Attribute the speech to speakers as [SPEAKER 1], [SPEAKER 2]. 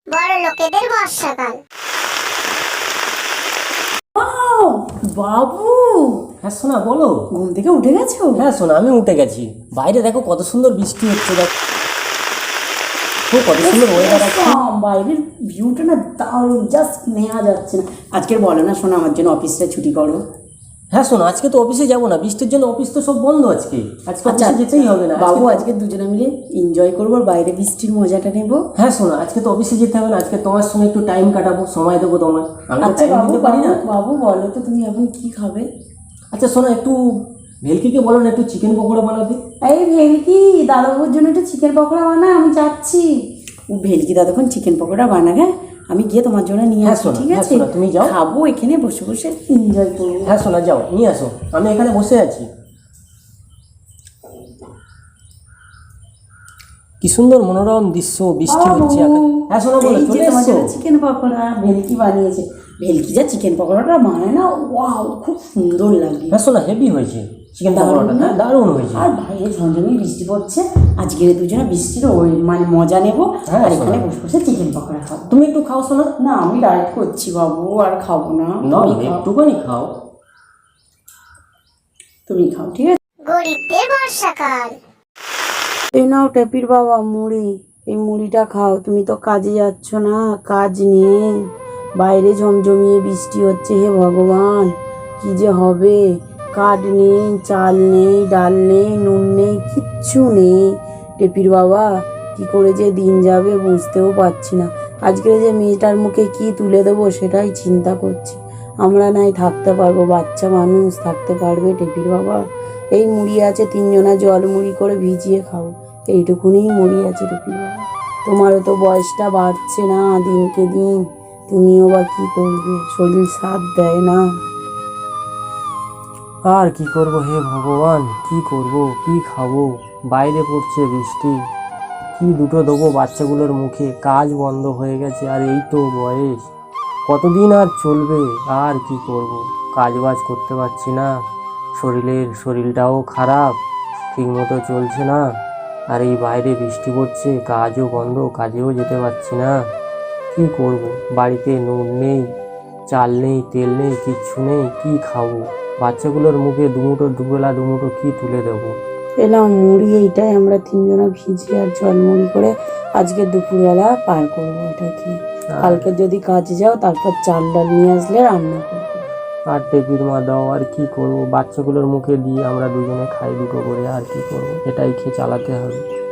[SPEAKER 1] বড় লোকেদের বর্ষাকাল।
[SPEAKER 2] বাবু,
[SPEAKER 3] হ্যাঁ সোনা বলো।
[SPEAKER 2] ঘুম থেকে উঠে গেছো?
[SPEAKER 3] হ্যাঁ সোনা আমি উঠে গেছি। বাইরে দেখো কত সুন্দর বৃষ্টি হচ্ছে, দেখো কত সুন্দর ওয়েদার আছে।
[SPEAKER 2] বাইরের ভিউটা না দারুণ, জাস্ট নেওয়া যাচ্ছে না। আজকের বলো না শোনো, আমার জন্য অফিসটা ছুটি করো।
[SPEAKER 3] হ্যাঁ সোনা আজকে তো অফিসে যাবো না, বৃষ্টির জন্য অফিস তো সব বন্ধ আজকে। আজকে অফিসে যেতেই হবে না
[SPEAKER 2] বাবু, আজকে দুজনে মিলে এনজয় করবো আর বাইরে বৃষ্টির মজাটা নেবো।
[SPEAKER 3] হ্যাঁ সোনা আজকে তো অফিসে যেতে হবে না, আজকে তোমার সঙ্গে একটু টাইম কাটাবো, সময় দেবো তোমার। আমি তো
[SPEAKER 2] আচ্ছা
[SPEAKER 3] টাইম
[SPEAKER 2] বাবু,
[SPEAKER 3] দিতে পারি না।
[SPEAKER 2] বাবু বলো তো তুমি এখন কি খাবে?
[SPEAKER 3] আচ্ছা সোনা একটু ভেলকিকে বলো না একটু চিকেন পকোড়া বানাতে।
[SPEAKER 2] এই ভেলকি, দাদাবুর জন্য একটু চিকেন পকোড়া বানা, আমি যাচ্ছি। ও ভেলকি দাদাক্ষণ চিকেন পকোড়া বানা, হ্যাঁ আমি গিয়ে তোমার জন্য নিয়ে
[SPEAKER 3] হ্যাঁ
[SPEAKER 2] আসবো,
[SPEAKER 3] শোনো,
[SPEAKER 2] ঠিক
[SPEAKER 3] হ্যাঁ
[SPEAKER 2] আছে?
[SPEAKER 3] শোনো, তুমি যাও।
[SPEAKER 2] খাবো এখানে বসে বসে, এনজয় করবো।
[SPEAKER 3] হ্যাঁ সোনা যাও নিয়ে আসো, আমি এখানে বসে আছি। কি সুন্দর মনোরম দৃশ্য, বৃষ্টি হচ্ছে। হ্যাঁ শোনো বলো,
[SPEAKER 2] এই যে
[SPEAKER 3] চলে
[SPEAKER 2] তোমার
[SPEAKER 3] এসছো?
[SPEAKER 2] জন্য চিকেন পকোড়া ভেলকি বানিয়েছে। ভেলকি যা চিকেন পকোড়াটা বানায় না, ওয়াও, খুব সুন্দর লাগে।
[SPEAKER 3] হ্যাঁ শোনা হেভি হয়েছে চিকেন
[SPEAKER 2] দারুণ
[SPEAKER 3] পকোড়াটা,
[SPEAKER 2] না?
[SPEAKER 3] হ্যাঁ দারুণ হয়েছে।
[SPEAKER 2] আর বাইরে ঝমঝমে বৃষ্টি পড়ছে, আজকের দুজনে বৃষ্টির ওই মানে মজা নেবো।
[SPEAKER 3] হ্যাঁ,
[SPEAKER 2] আর এখানে
[SPEAKER 3] শোনো।
[SPEAKER 2] বসে বসে চিকেন পকোড়া খাবো।
[SPEAKER 3] তুমি একটু খাও শোনা।
[SPEAKER 2] না আমি ডায়েট করছি বাবু, আর খাবো না।
[SPEAKER 3] না
[SPEAKER 2] তুমি খাও,
[SPEAKER 3] একটুখানি খাও।
[SPEAKER 2] তুমি খাও, ঠিক আছে?
[SPEAKER 1] গরিবদের বর্ষাকাল।
[SPEAKER 2] এই নাও টেপির বাবা মুড়ি, এই মুড়িটা খাও। তুমি তো কাজে যাচ্ছ না, কাজ নেই, বাইরে ঝমঝমিয়ে বৃষ্টি হচ্ছে। হে ভগবান, কি যে হবে! কাঠ নেই, চাল নেই, ডাল নেই, নুন নেই, কিচ্ছু নেই। টেপির বাবা, কি করে যে দিন যাবে বুঝতেও পারছি না। আজকে যে মেয়েটার মুখে কি তুলে দেবো সেটাই চিন্তা করছি। আমরা নাই থাকতে পারবো, বাচ্চা মানুষ থাকতে পারবে টেপির বাবা? এই মুড়ি আছে, তিনজনা জল মুড়ি করে ভিজিয়ে খাও। এইটুকুনি মুড়ি আছে টেপির বাবা। তোমারও তো বয়সটা বাড়ছে না দিনকে দিন, তুমিও বা কি করবে, শরীর সাথ দেয় না।
[SPEAKER 3] আর কি করব হে ভগবান, কি করব, কি খাবো? বাইরে পড়ছে বৃষ্টি, কি দুটো দেবো বাচ্চাগুলোর মুখে? কাজ বন্ধ হয়ে গেছে, আর এই তো বয়স, কতদিন আর চলবে? আর কি করব, কাজ বাজ করতে পারছি না, শরীরটাও খারাপ, ঠিক মতো চলছে না। আর এই বাইরে বৃষ্টি পড়ছে, কাজও বন্ধ, কাজেও যেতে পারছি না। কি করব, বাড়িতে নুন নেই, চাল নেই, তেল নেই, কিচ্ছু নেই, কি খাবো? বাচ্চাগুলোর মুখে দুবেলা দুমুঠো কি তুলে দেবো?
[SPEAKER 2] এলাম মুড়ি, এইটাই আমরা তিনজনা ভিজিয়ে আর জল মুড়ি করে আজকে দুপুরবেলা পার করবো। এটা কি কালকে যদি কাজে যাও তারপর চাল ডাল নিয়ে আসলে রান্না করবো।
[SPEAKER 3] আর টেপির মা দাও, আর কি করব, বাচ্চাগুলোর মুখে দিয়ে আমরা দুজনে খাই দুটো করে, আর কি করব, এটাই খেয়ে চালাতে হবে।